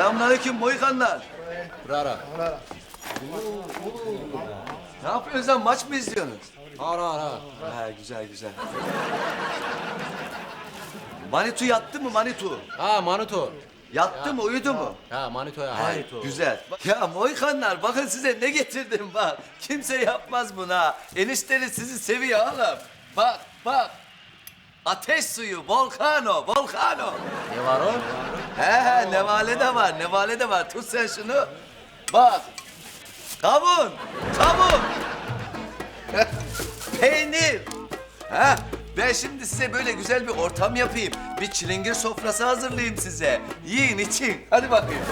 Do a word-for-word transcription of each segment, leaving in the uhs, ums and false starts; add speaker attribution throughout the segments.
Speaker 1: Selamünaleyküm Moykanlar.
Speaker 2: Rara.
Speaker 1: Ne yapıyorsunuz lan? Maç mı izliyorsunuz?
Speaker 2: Ara ara.
Speaker 1: Ha, güzel güzel. Manitu yattı mı Manitu?
Speaker 2: Ha Manuto.
Speaker 1: Yattı mı, uyudu mu?
Speaker 2: Ha Manito'ya.
Speaker 1: Hay,
Speaker 2: Manito.
Speaker 1: güzel. Ya Moykanlar, bakın size ne getirdim bak. Kimse yapmaz bunu ha. Enişteniz sizi seviyor oğlum. Bak, bak. Ateş suyu, volkano, volkano.
Speaker 2: Ne var o?
Speaker 1: He he, nevale de var, nevale de var. Tut sen şunu. Bak. Kavun, kavun. Peynir. Ha, ben şimdi size böyle güzel bir ortam yapayım. Bir çilingir sofrası hazırlayayım size. Yiyin, için. Hadi bakayım.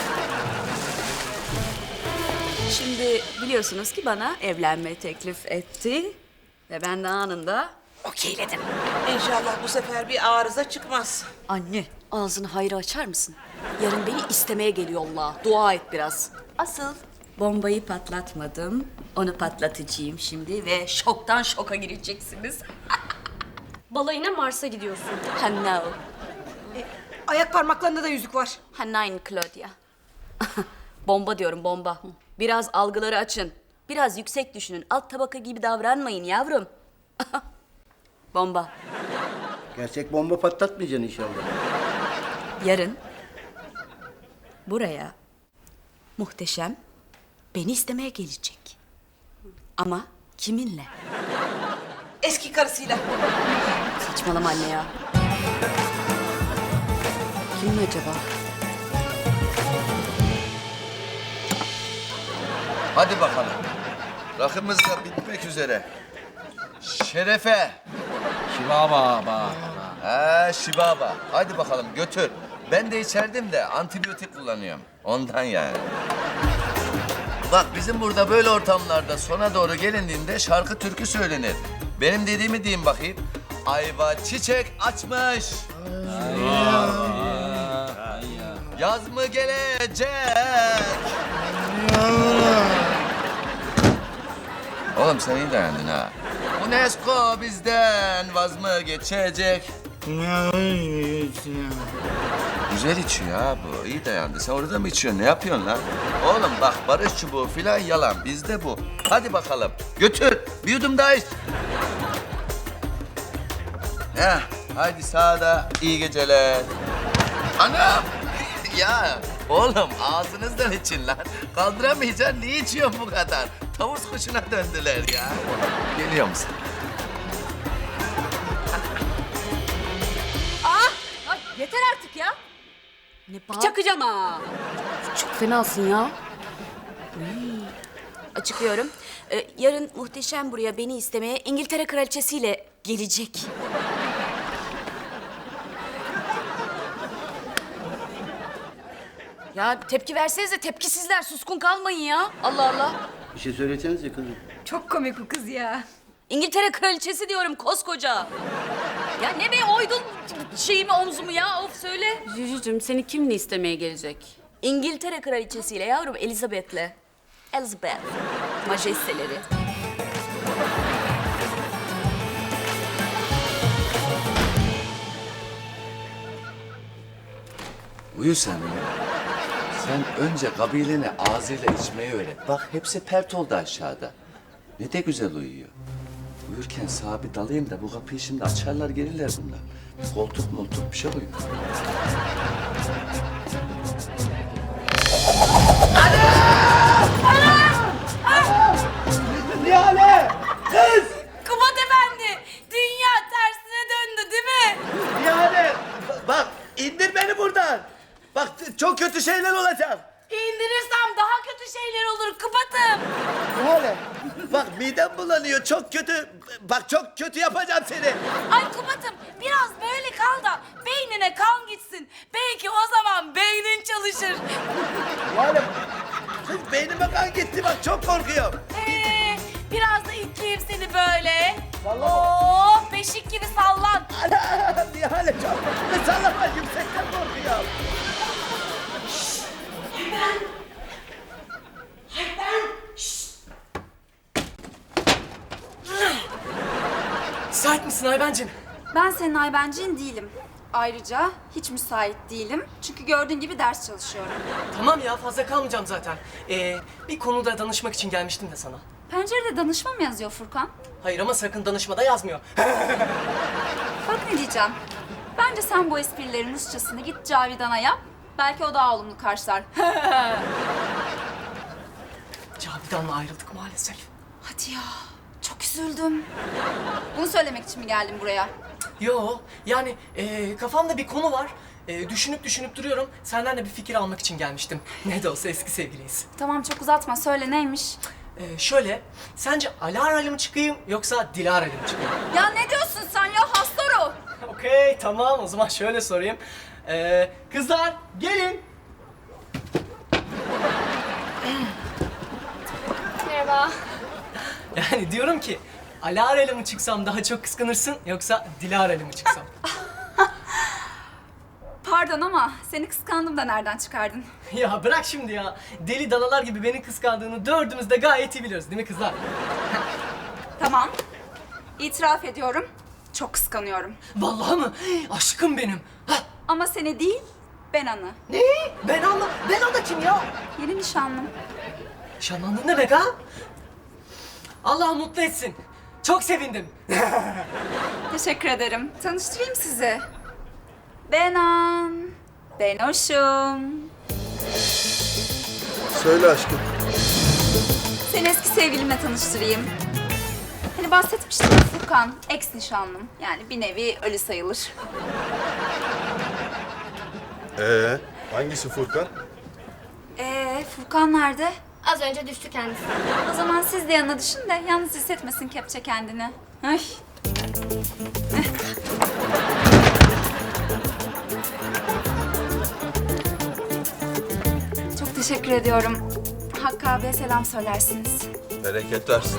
Speaker 3: Şimdi biliyorsunuz ki bana evlenme teklif etti. Ve ben de anında okeyledim.
Speaker 4: İnşallah bu sefer bir arıza çıkmaz.
Speaker 3: Anne, ağzını hayra açar mısın? Yarın beni istemeye geliyor Allah. Dua et biraz. Asıl bombayı patlatmadım. Onu patlatacağım şimdi ve şoktan şoka gireceksiniz.
Speaker 5: Balayına Mars'a gidiyorsun.
Speaker 3: Ha no.
Speaker 4: Ayak parmaklarında da yüzük var.
Speaker 3: Ha nine Claudia. Bomba diyorum bomba. Biraz algıları açın. Biraz yüksek düşünün. Alt tabaka gibi davranmayın yavrum. Bomba.
Speaker 6: Gerçek bomba patlatmayacaksın inşallah.
Speaker 3: Yarın buraya muhteşem beni istemeye gelecek. Ama kiminle?
Speaker 4: Eski karısıyla.
Speaker 3: Saçmalama anne ya. Kimin acaba?
Speaker 1: Hadi bakalım. Rakımız da bitmek üzere. Şerefe.
Speaker 2: Şivaba ba.
Speaker 1: Ha, Şibaba. Hadi bakalım götür. Ben de içerdim de antibiyotik kullanıyorum. Ondan yani. Bak bizim burada böyle ortamlarda sona doğru gelindiğinde şarkı türkü söylenir. Benim dediğimi diyeyim bakayım. Ayva çiçek açmış. Yaz mı gelecek? Oğlum sen iyi dayandın ha. UNESCO bizden vaz mı geçecek? Güzel içiyor ha bu. İyi dayandı. Sen orada mı içiyorsun? Ne yapıyorsun lan? Oğlum bak barış çubuğu filan yalan. Bizde bu. Hadi bakalım. Götür. Bir yudum daha iç. Heh. Haydi sağda. İyi geceler. Anam. Ya oğlum ağzınızdan için lan. Kaldıramayacaksın. Niye içiyorsun bu kadar? Tavus kuşuna döndüler ya. Geliyor musun?
Speaker 3: Ay, yeter artık ya. Ne bağır... Çakacağım ha. Çok fenasın ya. Uy. Açıklıyorum. Ee, yarın muhteşem buraya beni istemeye İngiltere kraliçesiyle gelecek. Ya tepki versenize, tepkisizler, suskun kalmayın ya. Allah Allah.
Speaker 6: Bir şey söylesenize kızım.
Speaker 5: Çok komik bu kız ya.
Speaker 3: İngiltere kraliçesi diyorum koskoca. Ya ne be oydun şeyimi omzumu ya of söyle. Cücücüm seni kimle istemeye gelecek? İngiltere kraliçesiyle yavrum Elizabeth'le. Elizabeth. Majesteleri.
Speaker 1: Uyu sen ya. Sen önce kabilene ağzıyla içmeyi öğret. Bak hepsi pert oldu aşağıda. Ne de güzel uyuyor. Uyurken sağa bir dalayım da bu kapıyı şimdi açarlar gelirler bunlar. Koltuk moltuk bir şey koyun.
Speaker 6: Nihale! Kız!
Speaker 3: Kubat Efendi, dünya tersine döndü değil mi?
Speaker 1: Nihale! Bak indir beni buradan. Bak çok kötü şeyler olacak.
Speaker 3: İndirirsem daha kötü şeyler olur Kubat'ım.
Speaker 1: Nihale! Bak midem bulanıyor çok kötü. Bak çok kötü yapacağım seni.
Speaker 3: Ay Kubat'ım biraz böyle kal da beynine kan gitsin. Belki o zaman beynin çalışır.
Speaker 1: Nihale! Kız beynime kan gitti bak çok korkuyorum.
Speaker 3: Ee, biraz da itleyeyim seni böyle. Oo, beşik gibi sallan.
Speaker 1: Ana! Nihale çok korkuyorum. Sallama yüksekten korkuyorum.
Speaker 4: Sert misin Aybencim?
Speaker 5: Ben senin Aybencin değilim.
Speaker 7: Ayrıca hiç müsait değilim. Çünkü gördüğün gibi ders çalışıyorum.
Speaker 8: Tamam ya fazla kalmayacağım zaten. Ee, bir konuda danışmak için gelmiştim de sana.
Speaker 7: Pencerede danışma mı yazıyor Furkan?
Speaker 8: Hayır ama sakın danışmada yazmıyor.
Speaker 7: Bak ne diyeceğim. Bence sen bu esprilerin Rusçasını git Cavidan'a yap. Belki o daha olumlu karşılar.
Speaker 8: Cavidan'la ayrıldık maalesef.
Speaker 7: Hadi ya. Çok üzüldüm. Bunu söylemek için mi geldin buraya?
Speaker 8: Yo yani ee, kafamda bir konu var. Ee, düşünüp düşünüp duruyorum. Senden de bir fikir almak için gelmiştim. Ne de olsa eski sevgiliyiz.
Speaker 7: Tamam çok uzatma. Söyle neymiş?
Speaker 8: Ee, şöyle, sence Alara'yla mı çıkayım yoksa Dilara'yla mı çıkayım?
Speaker 7: Ya ne diyorsun sen ya hastaro?
Speaker 8: Okey tamam o zaman şöyle sorayım. Ee, kızlar gelin.
Speaker 5: Merhaba.
Speaker 8: Yani diyorum ki Alara'yla mı çıksam daha çok kıskanırsın yoksa Dilara'yla mı çıksam?
Speaker 7: Pardon ama seni kıskandım da nereden çıkardın?
Speaker 8: Ya bırak şimdi ya. Deli danalar gibi beni kıskandığını dördümüz de gayet iyi biliyoruz değil mi kızlar?
Speaker 7: Tamam. İtiraf ediyorum. Çok kıskanıyorum.
Speaker 8: Vallahi mı? Aşkım benim. Hah.
Speaker 7: Ama seni değil, ben Anı.
Speaker 8: Ne? Ben anla. Ben o da kim ya?
Speaker 7: Yeni nişanlım.
Speaker 8: Şanlandın ne demek ha? Allah mutlu etsin. Çok sevindim.
Speaker 7: Teşekkür ederim. Tanıştırayım sizi. Benan. Benoş'um.
Speaker 9: Söyle aşkım.
Speaker 7: Seni eski sevgilimle tanıştırayım. Hani bahsetmiştim ya Furkan, ex nişanlım. Yani bir nevi ölü sayılır.
Speaker 9: Ee, hangisi Furkan?
Speaker 7: Ee, Furkan nerede?
Speaker 5: Az önce düştü kendisi.
Speaker 7: O zaman siz de yanına düşün de yalnız hissetmesin kepçe kendini. Ay. Çok teşekkür ediyorum. Hakkı abiye selam söylersiniz.
Speaker 9: Bereket versin.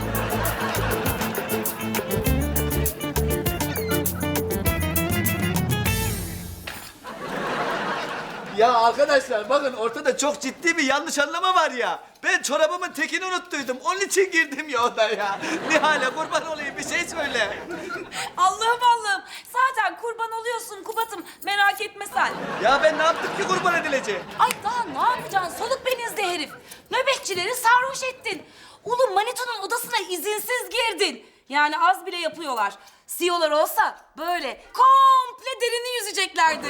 Speaker 1: Ya arkadaşlar bakın ortada çok ciddi bir yanlış anlama var ya. Ben çorabımın tekini unuttuydum. Onun için girdim ya odaya. Nihal'e kurban olayım bir şey söyle.
Speaker 3: Allah'ım Allah'ım. Zaten kurban oluyorsun Kubat'ım. Merak etme sen.
Speaker 1: Ya ben ne yaptım ki kurban edileceğim?
Speaker 3: Ay daha ne yapacaksın? Soluk benizli herif. Nöbetçileri sarhoş ettin. Ulu Manito'nun odasına izinsiz girdin. Yani az bile yapıyorlar. C E O'lar olsa böyle komple derini yüzeceklerdi.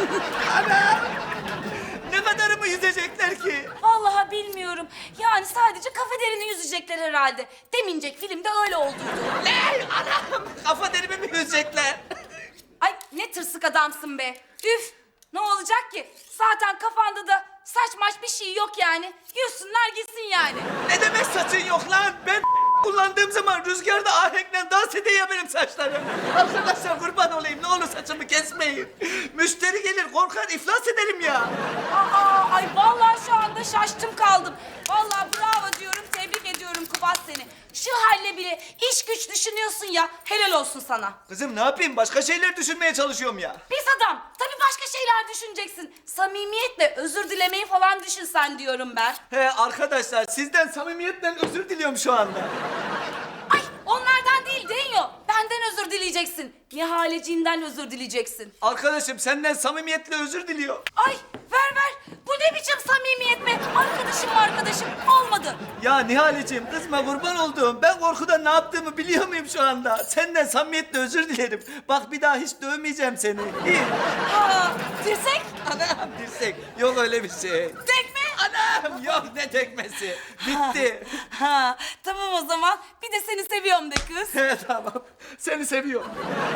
Speaker 1: Ne kadarımı yüzecekler ki?
Speaker 3: Vallahi bilmiyorum. Yani sadece kafe derini yüzecekler herhalde. Demincek filmde öyle olduydu.
Speaker 1: Ne? Anam! Kafa derimi mi yüzecekler?
Speaker 3: Ay ne tırsık adamsın be. Üf! Ne olacak ki? Zaten kafanda da saç maç bir şey yok yani. Yüzsünler gitsin yani.
Speaker 1: Ne demek saçın yok lan? Ben kullandığım zaman rüzgarda ahenkle dans ediyor ya benim saçlarım. Arkadaşlar kurban olayım ne olur saçımı kesmeyin. Müşteri gelir korkar iflas ederim ya.
Speaker 3: Aa, ay vallahi şu anda şaştım kaldım. Vallahi bravo diyorum, tebrik ediyorum Kubat seni. Şu halle bile iş güç düşünüyorsun ya. Helal olsun sana.
Speaker 1: Kızım ne yapayım başka şeyler düşünmeye çalışıyorum ya.
Speaker 3: Pis adam. Tabii başka şeyler düşüneceksin. Samimiyetle özür dilemeyi falan düşünsen diyorum ben.
Speaker 1: He arkadaşlar sizden samimiyetle özür diliyorum şu anda.
Speaker 3: Ay onlardan değil Denyo. Benden özür dileyeceksin. Nihaleciğimden özür dileyeceksin.
Speaker 1: Arkadaşım senden samimiyetle özür diliyor.
Speaker 3: Ay ver ver. Bu ne biçim samimiyet be? Arkadaşım arkadaşım olmadı.
Speaker 1: Ya Nihaleciğim kızma kurban olduğum. Ben korkudan ne yaptığımı biliyor muyum şu anda? Senden samimiyetle özür dilerim. Bak bir daha hiç dövmeyeceğim seni. İyi.
Speaker 3: Ha, dirsek?
Speaker 1: Anam dirsek. Yok öyle bir şey.
Speaker 3: Tekme?
Speaker 1: Anam yok ne tekmesi. Bitti.
Speaker 3: Ha, tamam o zaman. Bir de seni seviyorum de kız.
Speaker 1: He tamam. Seni seviyorum.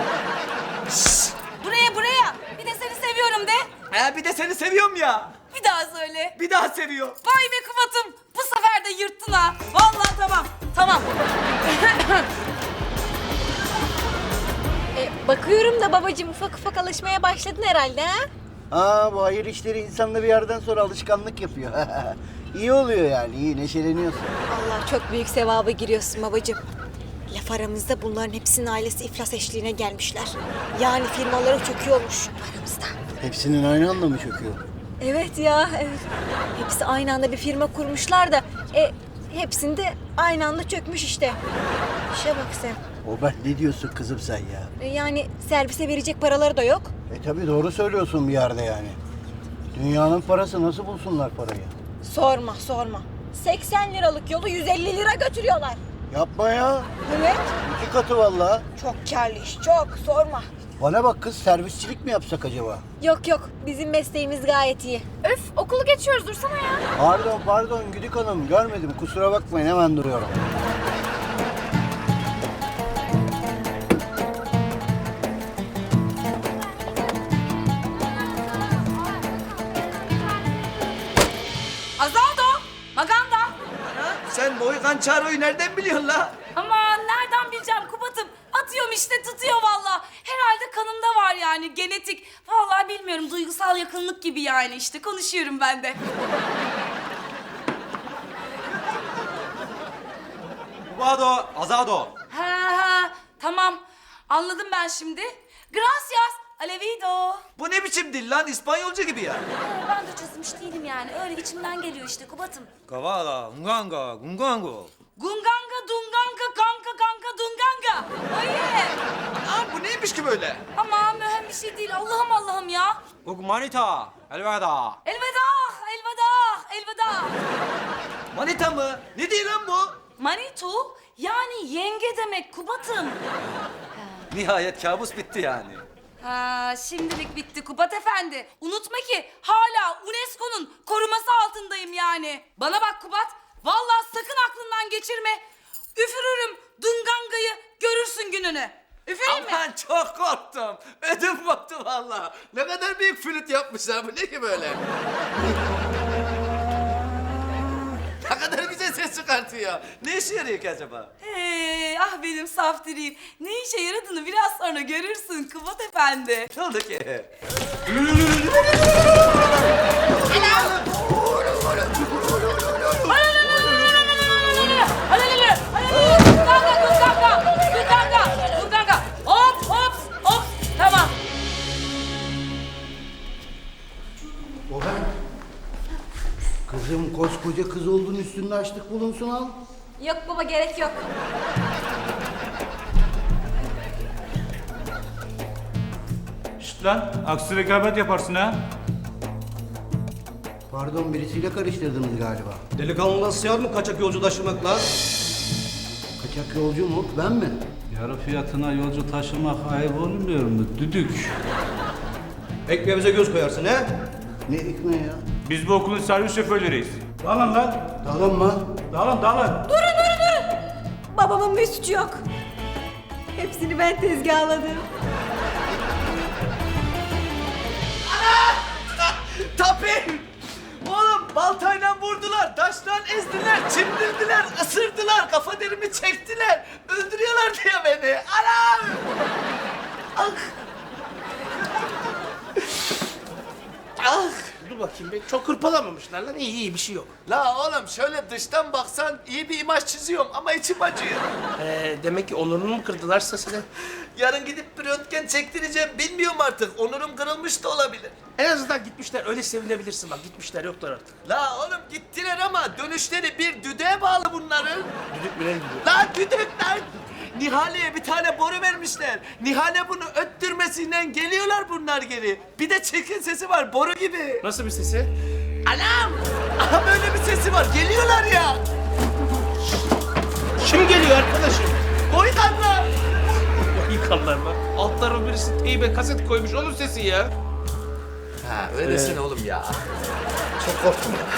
Speaker 3: Buraya buraya. Bir de seni seviyorum de.
Speaker 1: He bir de seni seviyorum ya.
Speaker 3: Bir daha söyle.
Speaker 1: Bir daha seviyorum.
Speaker 3: Vay be Kubat'ım. Bu sefer de yırttın ha. Vallahi tamam. Tamam.
Speaker 5: E, bakıyorum da babacığım ufak ufak alışmaya başladın herhalde ha?
Speaker 6: Aa bu hayır işleri insanda bir yerden sonra alışkanlık yapıyor. İyi oluyor yani iyi neşeleniyorsun.
Speaker 5: Allah çok büyük sevaba giriyorsun babacığım. Laf aramızda bunların hepsinin ailesi iflas eşliğine gelmişler. Yani firmaları çöküyormuş aramızda.
Speaker 6: Hepsinin aynı anda mı çöküyor?
Speaker 5: Evet ya, evet. Hepsi aynı anda bir firma kurmuşlar da e, hepsinde aynı anda çökmüş işte. İşe bak sen.
Speaker 6: O ben ne diyorsun kızım sen ya?
Speaker 5: E, yani servise verecek paraları da yok.
Speaker 6: E tabi doğru söylüyorsun bir yerde yani. Dünyanın parası, nasıl bulsunlar parayı?
Speaker 5: Sorma sorma. seksen liralık yolu yüz elli lira götürüyorlar.
Speaker 6: Yapma ya.
Speaker 5: Evet.
Speaker 6: İki katı vallahi.
Speaker 5: Çok karlı iş çok sorma.
Speaker 6: Bana bak kız, servisçilik mi yapsak acaba?
Speaker 5: Yok yok bizim mesleğimiz gayet iyi.
Speaker 7: Öf okulu geçiyoruz dursana ya.
Speaker 6: Pardon pardon Güdük Hanım, görmedim, kusura bakmayın, hemen duruyorum.
Speaker 3: Azaldo, Maganda.
Speaker 1: Sen Boykan Çaro'yu nereden biliyorsun la?
Speaker 3: Aman nereden bileceğim Kubat'ım. Atıyorum işte tutuyor valla. Herhalde kanımda var yani genetik. Vallahi bilmiyorum duygusal yakınlık gibi yani işte konuşuyorum ben de.
Speaker 2: Kubado, azado.
Speaker 3: Ha ha tamam anladım ben şimdi. Gracias, Alevido.
Speaker 1: Bu ne biçim dil lan? İspanyolca gibi ya.
Speaker 3: Ee, ben de çözmüş değilim yani öyle içimden geliyor işte Kubat'ım.
Speaker 2: Kavada, unganga, gungango.
Speaker 3: Gunganga, dunganga, kanka kanka dunganga. Oye.
Speaker 1: Aa, bu neymiş ki böyle?
Speaker 3: Aman mühim bir şey değil Allah'ım Allah'ım ya.
Speaker 2: Gugmanita, elveda.
Speaker 3: Elveda, elveda, elveda.
Speaker 1: Manita mı? Ne diyor lan bu?
Speaker 3: Manitu yani yenge demek Kubat'ım.
Speaker 1: Nihayet kabus bitti yani.
Speaker 3: Ha, şimdilik bitti Kubat Efendi. Unutma ki hala UNESCO'nun koruması altındayım yani. Bana bak Kubat, vallahi sakın aklından geçirme. Üfürürüm Dunganga'yı, görürsün gününü. Üfüreyim mi?
Speaker 1: Aman çok korktum. Ödüm koptu vallahi. Ne kadar büyük flüt yapmışlar. Bu ne ki böyle? Ne kadar güzel ses çıkartıyor. Ne işe yarıyor ki acaba?
Speaker 3: Hey, ah benim saftiriyim. Ne işe yaradığını biraz sonra görürsün Kubat Efendi.
Speaker 1: Ne oldu ki?
Speaker 3: Dunganga, Dunganga, Dunganga, Dunganga. Hop, hop, hop. Tamam.
Speaker 6: O ben. Kızım, koskoca kız oldun, üstünde açlık bulunsun al.
Speaker 7: Yok baba gerek yok.
Speaker 10: Şşt lan, aksi rekabet yaparsın ha.
Speaker 6: Pardon, birisiyle karıştırdınız galiba.
Speaker 2: Delikanlına sığar mı kaçak yolcu taşımak lan?
Speaker 6: Kaçak yolcu mu? Ben mi?
Speaker 10: Yarı fiyatına yolcu taşımak ayıp olmuyor mu? Düdük.
Speaker 2: Ekmeğimize göz koyarsın he?
Speaker 6: Ne ekmeği ya?
Speaker 10: Biz bu okulun servis şoförleriyiz. Dalın lan.
Speaker 6: Dalın mı?
Speaker 10: Dalın dalın.
Speaker 5: Babamın bir suçu yok. Hepsini ben tezgahladım.
Speaker 1: Tabii. Oğlum baltayla vurdular, taşla ezdiler, çimdirdiler, ısırdılar, kafa derimi çektiler. Öldürüyorlar diye beni. Anam! Ah! Ah!
Speaker 11: Dur bakayım be. Çok hırpalamamışlar lan. İyi iyi bir şey yok.
Speaker 1: La oğlum şöyle dıştan baksan iyi bir imaj çiziyorum ama içim acıyor.
Speaker 11: Ee, demek ki onurunu mu kırdılar sesine?
Speaker 1: Yarın gidip bir röntgen çektireceğim. Bilmiyorum artık. Onurum kırılmış da olabilir.
Speaker 11: En azından gitmişler. Öyle sevinebilirsin bak. Gitmişler yoklar artık.
Speaker 1: La oğlum gittiler ama dönüşleri bir düdüğe bağlı bunların.
Speaker 11: Düdük mü ne gidiyor?
Speaker 1: Lan düdük lan! Nihale'ye bir tane boru vermişler. Nihale bunu öttürmesiyle geliyorlar bunlar geri. Bir de çirkin sesi var boru gibi.
Speaker 11: Nasıl bir sesi?
Speaker 1: Anam! Aha böyle bir sesi var. Geliyorlar ya.
Speaker 11: Kim geliyor arkadaşım?
Speaker 1: Boydanlar.
Speaker 11: Yıkanlar mı? Altlarına birisi teybe kaset koymuş. Onun sesi ya.
Speaker 1: Ha öyle desene oğlum ya.
Speaker 11: Çok korktum ya.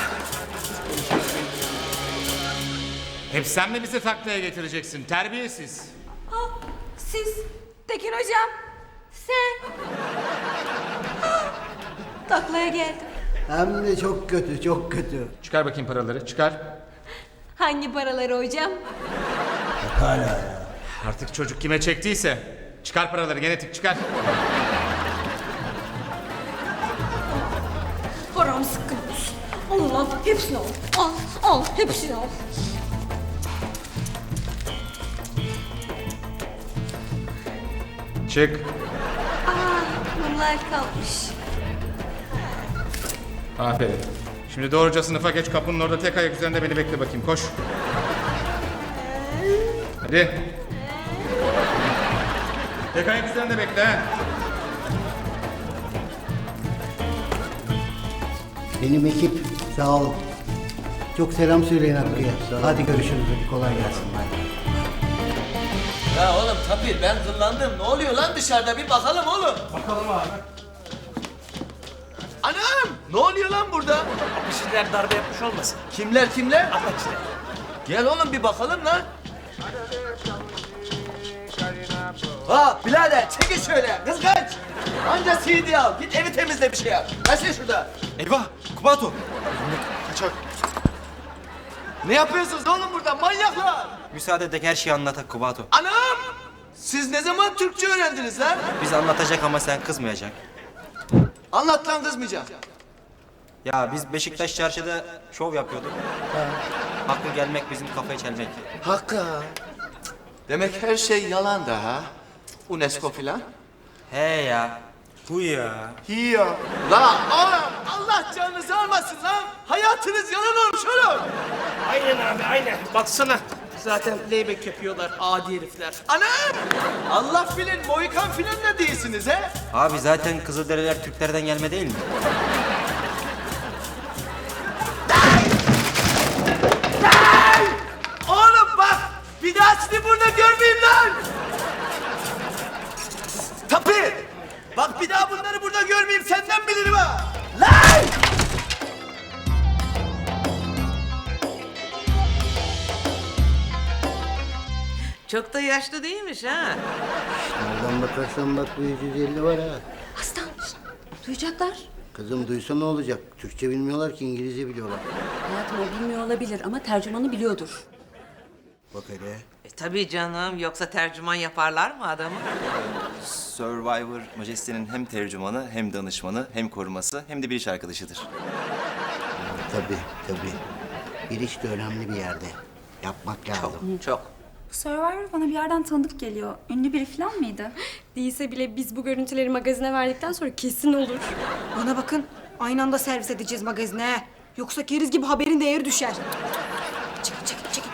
Speaker 10: Hep sen mi bizi taklaya getireceksin? Terbiyesiz.
Speaker 5: Ah, siz, Tekin hocam, sen. Ah, taklaya geldim.
Speaker 6: Hem de çok kötü, çok kötü.
Speaker 10: Çıkar bakayım paraları, çıkar.
Speaker 5: Hangi paraları hocam?
Speaker 6: Hala ya.
Speaker 10: Artık çocuk kime çektiyse. Çıkar paraları, genetik çıkar.
Speaker 5: Param sıkkın olsun. Al lan, hepsini al. Al, al, hepsini al.
Speaker 10: Çık.
Speaker 5: Aa, bunlar kalmış.
Speaker 10: Aferin. Şimdi doğruca sınıfa geç, kapının orada tek ayak üzerinde beni bekle bakayım, koş. Hadi. Tek ayak üzerinde bekle ha.
Speaker 6: Benim ekip sağ olun. Çok selam söyleyin Hakkı'ya. Hadi görüşürüz. Hadi kolay gelsin. Hadi.
Speaker 1: Ya oğlum Tapir ben kıllandım. Ne oluyor lan dışarıda bir bakalım oğlum.
Speaker 11: Bakalım abi.
Speaker 1: Anam ne oluyor lan burada?
Speaker 11: Bir şeyler darbe yapmış olmasın?
Speaker 1: Kimler kimler?
Speaker 11: Apaçiler.
Speaker 1: Gel oğlum bir bakalım lan. Ha birader çekil şöyle kız kaç. Anca C D al git evi temizle bir şey yap. Kaç şurada.
Speaker 2: Eyvah! Kubato!
Speaker 9: Kaçak.
Speaker 1: Ne yapıyorsunuz oğlum burada manyaklar?
Speaker 2: Müsaade edek her şeyi anlatak Kubato.
Speaker 1: Anam! Siz ne zaman Türkçe öğrendiniz lan?
Speaker 2: Biz anlatacak ama sen kızmayacaksın.
Speaker 1: Anlat lan kızmayacağım.
Speaker 2: Ya biz Beşiktaş çarşıda şov yapıyorduk. Hakkı gelmek bizim kafayı çelmek.
Speaker 1: Hakkı. Demek her şey yalan da ha? UNESCO filan.
Speaker 2: He ya. Bu ya.
Speaker 9: İyi ya.
Speaker 1: La oğlum Allah canınızı almasın lan. Hayatınız yalan olmuş oğlum.
Speaker 11: Aynen abi aynen. Baksana. Zaten leybek yapıyorlar adi herifler.
Speaker 1: Anam! Allah bilin Mohikan filan da değilsiniz he?
Speaker 2: Abi zaten Kızılderililer Türklerden gelme değil mi?
Speaker 1: Oğlum bak bir daha sizi burada görmeyeyim lan. Tapir! Bak bir daha bunları burada görmeyeyim senden bilirim ha. Lan!
Speaker 4: Çok da yaşlı değilmiş ha.
Speaker 6: Nereden bakarsan bak bu yüz yüz elli var ha.
Speaker 3: Aslan duyacaklar.
Speaker 6: Kızım duysa ne olacak? Türkçe bilmiyorlar ki İngilizce biliyorlar.
Speaker 3: Hayatım o bilmiyor olabilir ama tercümanı biliyordur.
Speaker 6: Bak hele.
Speaker 4: E, tabii canım yoksa tercüman yaparlar mı adamı?
Speaker 12: Survivor Majeste'nin hem tercümanı, hem danışmanı, hem koruması, hem de bir iş arkadaşıdır.
Speaker 6: Tabii tabii. Bir iş de önemli bir yerde. Yapmak lazım.
Speaker 4: Çok.
Speaker 7: Survivor bana bir yerden tanıdık geliyor. Ünlü biri falan mıydı?
Speaker 5: Değilse bile biz bu görüntüleri magazine verdikten sonra kesin olur.
Speaker 4: Bana bakın aynı anda servis edeceğiz magazine. Yoksa keriz gibi haberin değeri düşer. Çekil çekil çekil.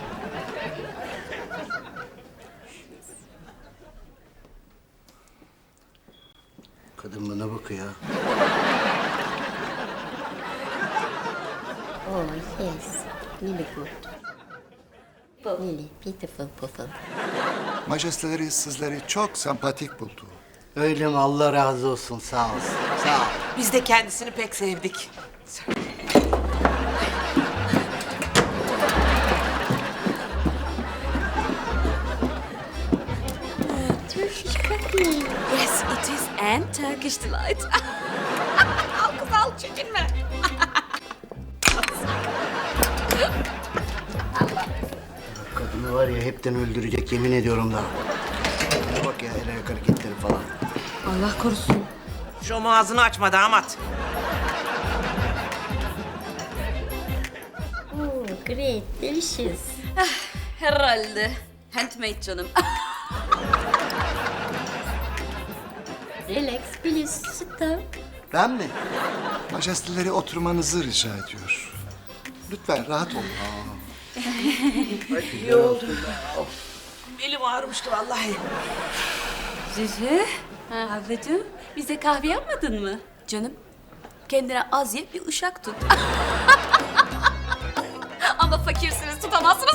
Speaker 6: Kadın bana bakıyor.
Speaker 13: Oh yes, really good. Really beautiful people.
Speaker 9: Majesteleri sizleri çok sempatik buldu.
Speaker 6: Öyle mi? Allah razı olsun. Sağ olsun. Sağ ol.
Speaker 4: Biz de kendisini pek sevdik.
Speaker 13: Turkish coffee.
Speaker 3: Yes it is and Turkish delight. Al kız al çekinme.
Speaker 6: Kadını var ya hepten öldürecek yemin ediyorum da. Bak ya el ayak hareketleri falan.
Speaker 3: Allah korusun.
Speaker 4: Şu ağzını açma damat.
Speaker 13: Oh, great, delicious.
Speaker 3: Herhalde. Handmade canım.
Speaker 13: Relax, please sit down.
Speaker 6: Ben mi?
Speaker 9: Majesteleri oturmanızı rica ediyor. Lütfen rahat olun.
Speaker 4: İyi oldu. Belim ağrımıştı vallahi.
Speaker 3: Cici. Ablacığım bize kahve yapmadın mı? Canım kendine az ye bir uşak tut. Ama fakirsiniz tutamazsınız.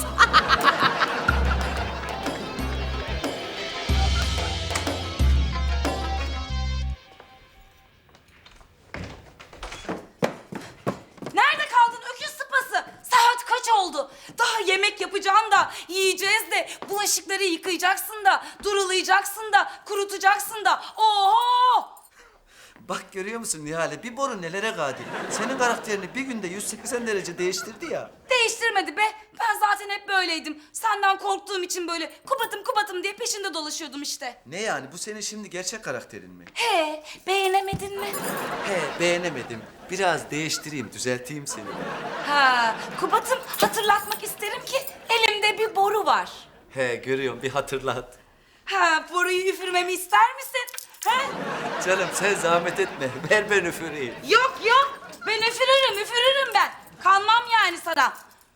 Speaker 3: Nerede kaldın öküz sıpası? Saat kaç oldu? Daha yemek yapacaksın da, yiyeceğiz de, bulaşıkları yıkayacaksın da, durulayacaksın da, kurutacaksın da. Oho!
Speaker 1: Bak görüyor musun Nihale bir boru nelere kadir. Senin karakterini bir günde yüz seksen derece değiştirdi ya.
Speaker 3: Değiştirmedi be. Ben zaten hep böyleydim. Senden korktuğum için böyle kubatım kubatım diye peşinde dolaşıyordum işte.
Speaker 1: Ne yani bu senin şimdi gerçek karakterin mi?
Speaker 3: He, beğenemedin mi?
Speaker 1: He beğenemedim. Biraz değiştireyim düzelteyim seni.
Speaker 3: Ha, kubatım hatırlatmak isterim ki elimde bir boru var.
Speaker 1: He görüyorum bir hatırlat.
Speaker 3: Ha, boruyu üfürmemi ister misin? He?
Speaker 1: Canım sen zahmet etme. Ver ben üfüreyim.
Speaker 3: Yok yok. Ben üfürürüm, üfürürüm ben. Kanmam yani sana.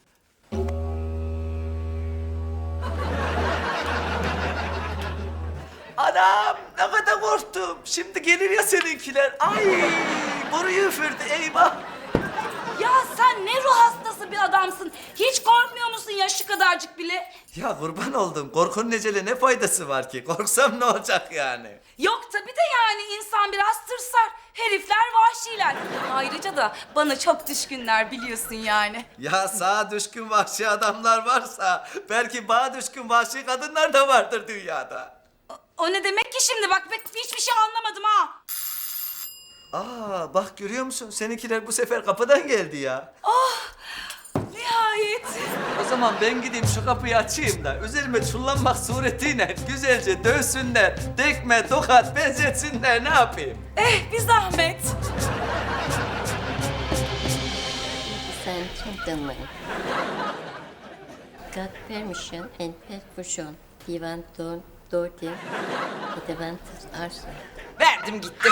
Speaker 1: Anam ne kadar korktum. Şimdi gelir ya seninkiler. Ay boruyu üfürdü eyvah.
Speaker 3: Ya sen ne ruh hastası bir adamsın. Hiç korkmuyor musun ya şu kadarcık bile?
Speaker 1: Ya kurban oldum. Korkunun ecele ne faydası var ki? Korksam ne olacak yani?
Speaker 3: Yok tabii de yani insan biraz tırsar. Herifler vahşiler. Ayrıca da bana çok düşkünler biliyorsun yani.
Speaker 1: Ya sağa düşkün vahşi adamlar varsa belki bağa düşkün vahşi kadınlar da vardır dünyada.
Speaker 3: O ne demek ki şimdi? Bak ben hiçbir şey anlamadım ha.
Speaker 1: Aa bak görüyor musun? Seninkiler bu sefer kapıdan geldi ya.
Speaker 3: Oh nihayet.
Speaker 1: O zaman ben gideyim şu kapıyı açayım da üzerime çullanmak suretiyle güzelce dövsünler, tekme, tokat benzetsinler ne yapayım?
Speaker 3: Eh bir zahmet.
Speaker 13: Ladies and gentlemen, got permission and permission. You want to do them? The advantage also.
Speaker 14: Verdim gitti.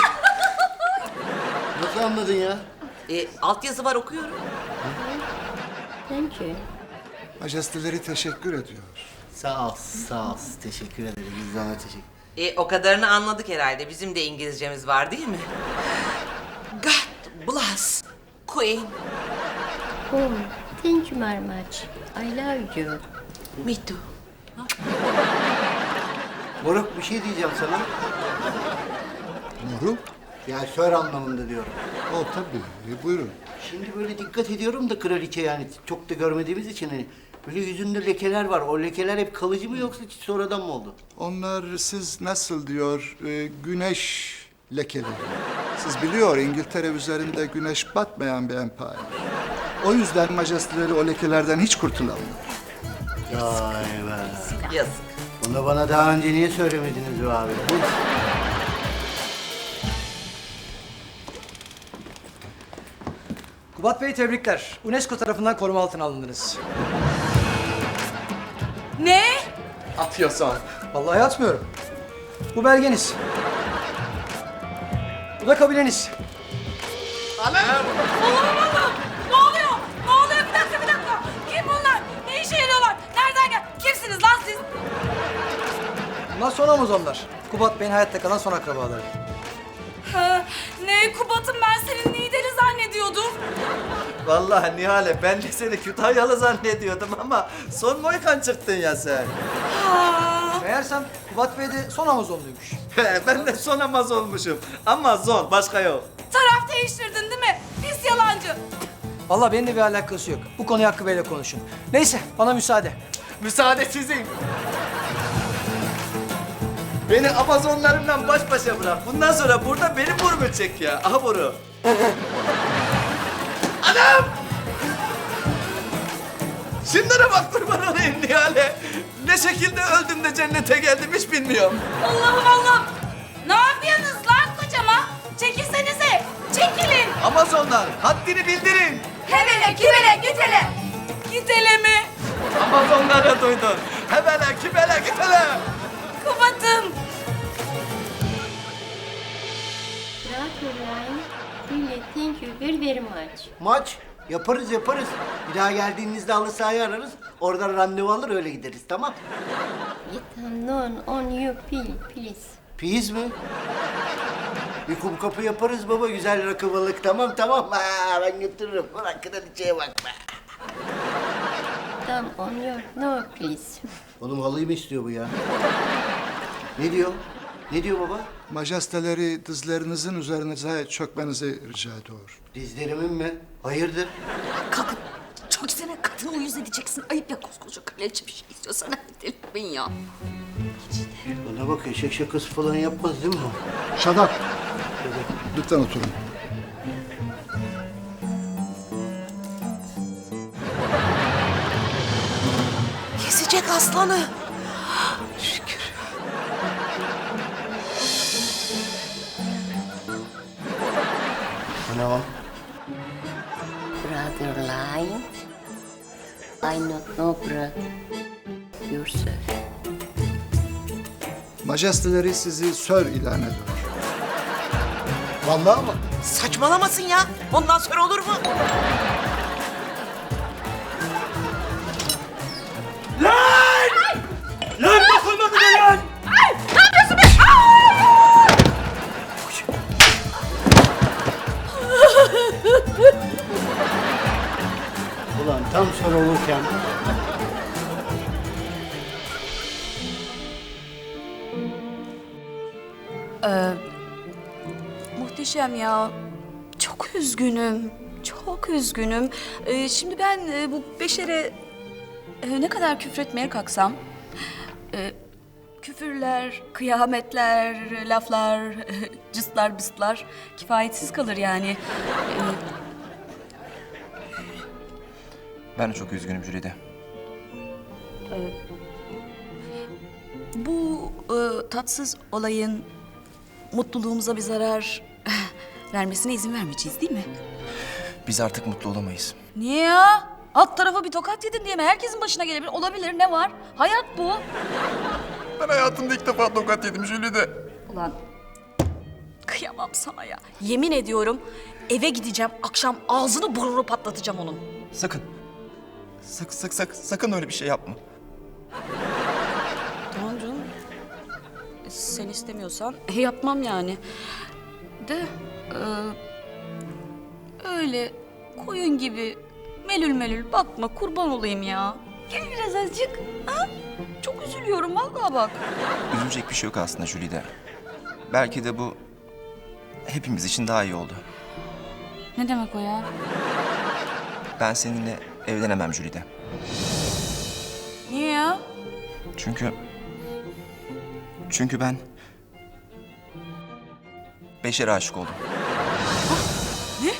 Speaker 6: Nasıl anladın ya?
Speaker 14: E, altyazı var okuyorum.
Speaker 13: Thank you.
Speaker 9: Majesteleri teşekkür ediyor.
Speaker 6: Sağ ol, sağ ol. Teşekkür ederim. Güzel teşekkür.
Speaker 14: E, o kadarını anladık herhalde. Bizim de İngilizcemiz var değil mi? God bless Queen.
Speaker 13: Oh, thank you very much. I love you.
Speaker 14: Me too.
Speaker 6: Moruk bir şey diyeceğim sana.
Speaker 9: Moruk?
Speaker 6: Ya sör anlamında diyorum.
Speaker 9: O tabii. E, buyurun.
Speaker 6: Şimdi böyle dikkat ediyorum da kraliçe yani çok da görmediğimiz için hani böyle yüzünde lekeler var. O lekeler hep kalıcı mı yoksa sonradan mı oldu?
Speaker 9: Onlar siz nasıl diyor e, güneş lekeleri. Siz biliyor İngiltere üzerinde güneş batmayan bir empire. O yüzden majesteleri o lekelerden hiç kurtulamıyor.
Speaker 6: Vay be.
Speaker 14: Yazık.
Speaker 6: Bunu bana daha önce niye söylemediniz be abi?
Speaker 15: Kubat Bey tebrikler. UNESCO tarafından koruma altına alındınız.
Speaker 3: Ne?
Speaker 15: Atıyorsun. Vallahi atmıyorum. Bu belgeniz. Bu da kabileniz.
Speaker 3: Allah'ım Allah'ım. Ne oluyor? Ne oluyor? Bir dakika bir dakika. Kim bunlar? Ne işe yarıyorlar? Nereden gel? Kimsiniz lan siz?
Speaker 15: Bunlar son Amazonlar. Kubat Bey'in hayatta kalan son akrabaları.
Speaker 3: Ha, ne Kubat'ım ben senin Niğde'li zannediyordum.
Speaker 1: Vallahi Nihale ben de seni Kütahyalı zannediyordum ama son Moykan çıktın ya sen.
Speaker 15: Meğersem Kubat Bey de son Amazonluymuş.
Speaker 1: Ben de son Amaz olmuşum. Amazon başka yok.
Speaker 3: Taraf değiştirdin değil mi? Pis yalancı.
Speaker 15: Vallahi benim de bir alakası yok. Bu konuyu Hakkı Bey'le konuşun. Neyse bana müsaade.
Speaker 1: Müsaade sizin. Beni Amazonlarımla baş başa bırak. Bundan sonra burada benim burnumu çek ya. Aha boru. Anam! Şunlara bak kurban olayım Nihale. Ne şekilde öldüm de cennete geldim hiç bilmiyorum.
Speaker 3: Allah'ım Allah'ım. Ne yapıyorsunuz lan kocama? Çekilsenize. Çekilin.
Speaker 1: Amazonlar haddini bildirin.
Speaker 3: Hebele kibele git hele. Git hele mi?
Speaker 1: Amazonları duydun. Hebele kibele git hele.
Speaker 3: Kubat'ım.
Speaker 13: Caroline, really thank you very very much.
Speaker 6: Maç yaparız yaparız. Bir daha geldiğinizde halı sahayı ararız. Oradan randevu alır öyle gideriz tamam.
Speaker 13: Get unknown on you pill, please.
Speaker 6: Piyiz mi? Bir kum kapı yaparız baba. Güzel rakı balık tamam tamam. Ha, ben götürürüm. Bırak kraliçeye bakma.
Speaker 13: Come on your no please.
Speaker 6: Oğlum halıyı mı istiyor bu ya? Ne diyor? Ne diyor baba?
Speaker 9: Majesteleri dizlerinizin üzerinize çökmenizi rica ediyor.
Speaker 6: Dizlerimin mi? Hayırdır?
Speaker 3: Kalkın. Çok sene kadını uyuz edeceksin. Ayıp ya koskoca kraliçe bir şey istiyorsan hadi ben ya.
Speaker 6: Bana bak eşek şakası falan yapmaz değil mi o?
Speaker 9: Shut up. Lütfen oturun.
Speaker 14: Kesecek aslanı. Şükür.
Speaker 6: Bu ne o?
Speaker 13: Brother line. I not know brother. Yourself.
Speaker 9: Majesteleri sizi sör ilan ediyor.
Speaker 6: Vallahi mı?
Speaker 14: Saçmalamasın ya. Ondan sonra olur mu?
Speaker 15: Lan! Lan dokunma bile lan!
Speaker 3: Ay! Ne yapıyorsun be? Ay!
Speaker 6: Tam sorulurken.
Speaker 3: Ee, muhteşem ya. Çok üzgünüm. Çok üzgünüm. Ee, şimdi ben e, bu Beşer'e e, ne kadar küfretmeye kalksam... E, küfürler, kıyametler, laflar, cıslar bıslar kifayetsiz kalır yani. Ee,
Speaker 12: Ben de çok üzgünüm Jülide.
Speaker 3: e, bu e, tatsız olayın mutluluğumuza bir zarar vermesine izin vermeyeceğiz değil mi?
Speaker 12: Biz artık mutlu olamayız.
Speaker 3: Niye ya? Alt tarafa bir tokat yedin diye mi? Herkesin başına gelebilir. Olabilir, ne var? Hayat bu.
Speaker 12: Ben hayatımda ilk defa tokat yedim Jülide.
Speaker 3: Ulan kıyamam sana ya. Yemin ediyorum eve gideceğim, akşam ağzını burnunu patlatacağım onun.
Speaker 12: Sakın. Sak, sak, sak, sakın öyle bir şey yapma.
Speaker 3: Tamam canım. Sen istemiyorsan yapmam yani. De e, öyle koyun gibi melül melül bakma, kurban olayım ya. Gel biraz azıcık. Ha? Çok üzülüyorum vallahi bak.
Speaker 12: Üzülecek bir şey yok aslında Jülide. Belki de bu hepimiz için daha iyi oldu.
Speaker 3: Ne demek o ya?
Speaker 12: Ben seninle evlenemem Jülide.
Speaker 3: Niye ya?
Speaker 12: Çünkü... Çünkü ben... Beşer'e aşık oldum.
Speaker 3: Ne?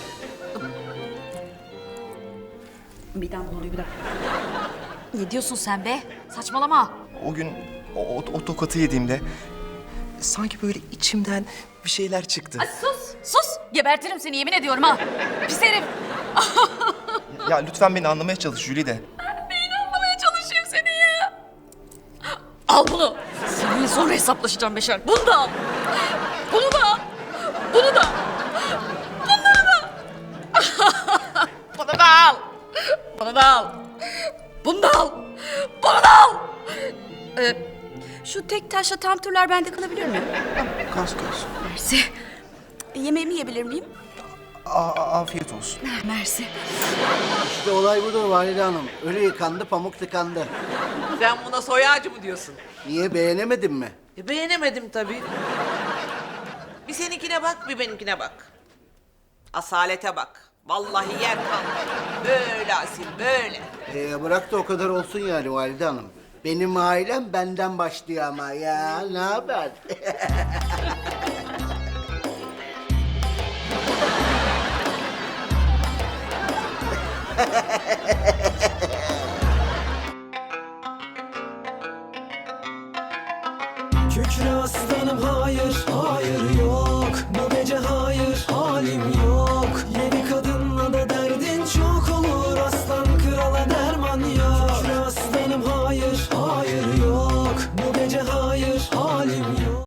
Speaker 3: Bir daha ne oluyor bir dakika. Ne diyorsun sen be? Saçmalama.
Speaker 12: O gün o, o, o tokatı yediğimde... Sanki böyle içimden bir şeyler çıktı.
Speaker 3: Ay sus, sus. Gebertirim seni yemin ediyorum ha. Pis herif.
Speaker 12: Ya lütfen beni anlamaya çalış Jülide.
Speaker 3: Neyini anlamaya çalışayım seni ya? Al bunu. Seninle sonra hesaplaşacağım Beşer. Bunu da al. Bunu da al. Bunu da. Bunları da. Bunu da al. Bunu da al. Bunu da al. Bunu da al. Ee, şu tek taşla tam turlar bende kalabilir mi?
Speaker 12: Kas kas.
Speaker 3: Mersi. Yemeğimi yiyebilir miyim?
Speaker 12: A- afiyet olsun.
Speaker 3: Mersi.
Speaker 6: İşte olay budur Valide Hanım. Ölü yıkandı, pamuk tıkandı.
Speaker 14: Sen buna soy ağacı mı diyorsun?
Speaker 6: Niye, beğenemedin mi?
Speaker 14: E, beğenemedim tabii. Bir seninkine bak, bir benimkine bak. Asalete bak. Vallahi yer kalmadı. Böyle asil, böyle.
Speaker 6: Ee, bırak da o kadar olsun yani Valide Hanım. Benim ailem benden başlıyor ama ya. Ne haber?